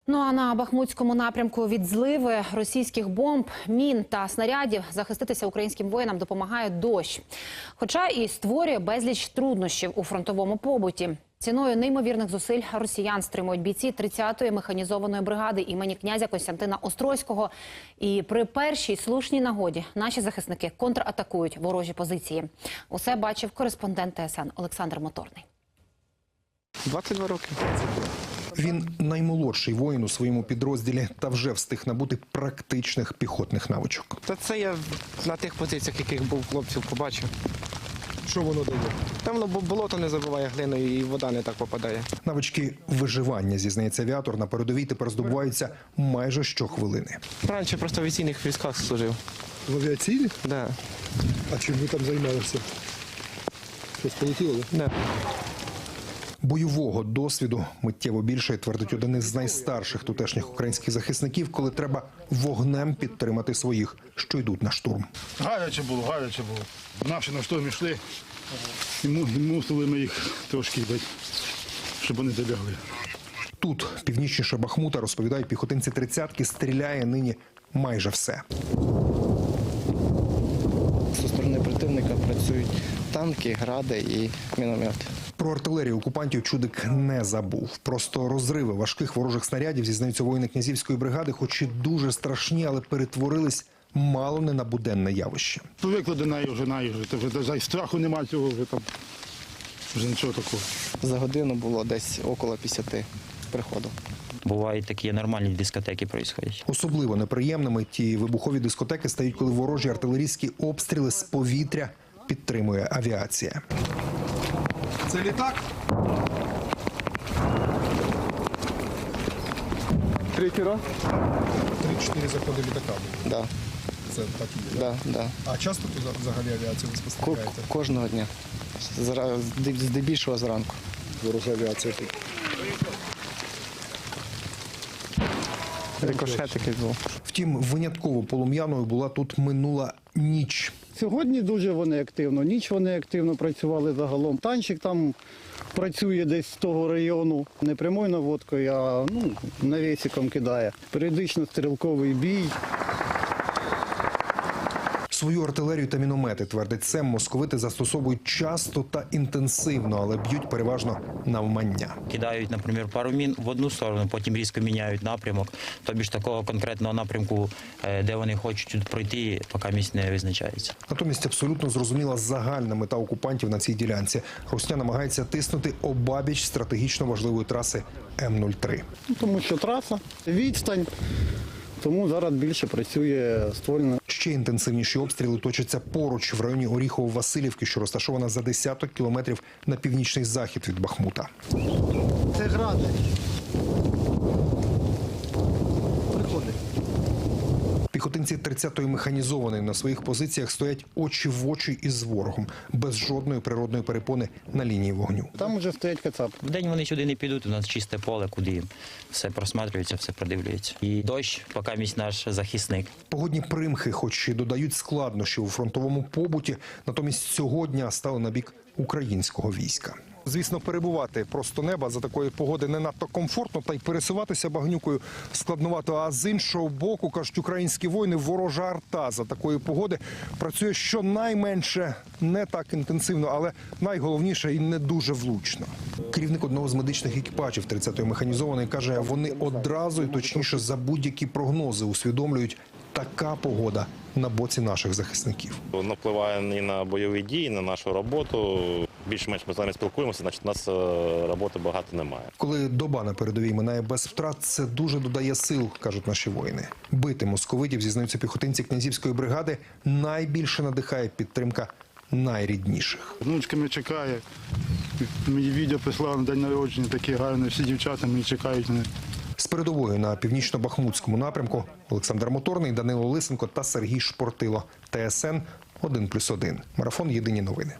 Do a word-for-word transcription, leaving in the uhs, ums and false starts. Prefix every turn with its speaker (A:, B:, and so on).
A: Ну а на Бахмутському напрямку від зливи російських бомб, мін та снарядів захиститися українським воїнам допомагає дощ. Хоча і створює безліч труднощів у фронтовому побуті. Ціною неймовірних зусиль росіян стримують бійці тридцятої механізованої бригади імені князя Костянтина Острозького. І при першій слушній нагоді наші захисники контратакують ворожі позиції. Усе бачив кореспондент Т С Н Олександр Моторний.
B: двадцять два роки.
C: Він наймолодший воїн у своєму підрозділі та вже встиг набути практичних піхотних навичок.
B: Та це я на тих позиціях, яких був хлопців, побачив.
C: Що воно дає?
B: Там болото не забиває глиною і вода не так попадає.
C: Навички виживання, зізнається авіатор, на передовій тепер здобуваються майже щохвилини.
B: Раніше просто в авіаційних військах служив.
D: В авіаційних?
B: Так. Да.
D: А чим ви там займалися? Щось полетіло, так?
B: Да.
C: Бойового досвіду миттєво більше, твердить один із найстарших тутешніх українських захисників, коли треба вогнем підтримати своїх, що йдуть на штурм.
D: Гаряче було, гаряче було. Наші на штурм йшли, і мусили ми їх трошки бити, щоб вони долягли.
C: Тут, північніше Бахмута, розповідають піхотинці тридцятки, стріляє нині майже все.
B: Зі сторони противника працюють танки, гради і міномети.
C: Про артилерію окупантів Чудик не забув. Просто розриви важких ворожих снарядів, зізнаються воїни князівської бригади, хоч і дуже страшні, але перетворились мало не на буденне явище.
D: Привикли до неї вже, неї вже. Вже, вже страху немає цього, вже там, вже нічого такого.
B: За годину було десь около п'ятдесят приходів.
E: Бувають такі нормальні дискотеки происходять.
C: Особливо неприємними ті вибухові дискотеки стають, коли ворожі артилерійські обстріли з повітря підтримує авіація.
D: Це літак? Третій раз?
C: Три-чотири заходи літака.
B: Да.
C: Це так і є.
B: Да, да.
C: А часто тут взагалі авіацію ви
B: Ко-
C: спостерігаєте?
B: Кожного дня. Зра- Здебільшого зранку.
C: Ворожа авіація тут.
B: Рикошет якийсь був.
C: Втім, винятково полум'яною була тут минула ніч.
F: Сьогодні дуже вони активно, ніч вони активно працювали загалом. Танчик там працює десь з того району, не прямою наводкою, а ну, навісиком кидає. Періодично стрілковий бій.
C: Свою артилерію та міномети, твердить Сем, московити застосовують часто та інтенсивно, але б'ють переважно навмання.
E: Кидають, наприклад, пару мін в одну сторону, потім різко міняють напрямок. Тобі ж такого конкретного напрямку, де вони хочуть пройти, поки місць не визначається.
C: Натомість абсолютно зрозуміла загальна мета окупантів на цій ділянці. Русня намагається тиснути обабіч стратегічно важливої траси М нуль три.
F: Ну, тому що траса, відстань, тому зараз більше працює ствольна.
C: Ще інтенсивніші обстріли точаться поруч, в районі Оріхово-Василівки, що розташована за десяток кілометрів на північний захід від Бахмута.
F: Це гради. Приходить.
C: Піхотинці тридцятої механізованої на своїх позиціях стоять очі в очі із ворогом, без жодної природної перепони на лінії вогню.
F: Там вже стоять кацапи.
E: Вдень вони сюди не підуть, у нас чисте поле, куди їм все просматрюється, все продивлюється. І дощ, поки місць наш захисник.
C: Погодні примхи, хоч і додають складнощів у фронтовому побуті, натомість цього дня стали на бік українського війська. Звісно, перебувати просто неба за такої погоди не надто комфортно, та й пересуватися багнюкою складновато. А з іншого боку, кажуть українські воїни, ворожа арта за такої погоди працює щонайменше не так інтенсивно, але найголовніше і не дуже влучно. Керівник одного з медичних екіпажів тридцятої механізованої каже, вони одразу і точніше за будь-які прогнози усвідомлюють, така погода на боці наших захисників.
G: Воно впливає і на бойові дії, і на нашу роботу. Більш-менш ми з вами спілкуємося, значить у нас роботи багато немає.
C: Коли доба на передовій минає без втрат, це дуже додає сил, кажуть наші воїни. Бити московитів, зізнаються піхотинці князівської бригади, найбільше надихає підтримка найрідніших.
D: Внучка мене чекає. Мені відео прислали на день народження, такі гарні, всі дівчата мені чекають мене.
C: З передовою на північно-бахмутському напрямку Олександр Моторний, Данило Лисенко та Сергій Шпортило. Т С Н один плюс один. Марафон «Єдині новини».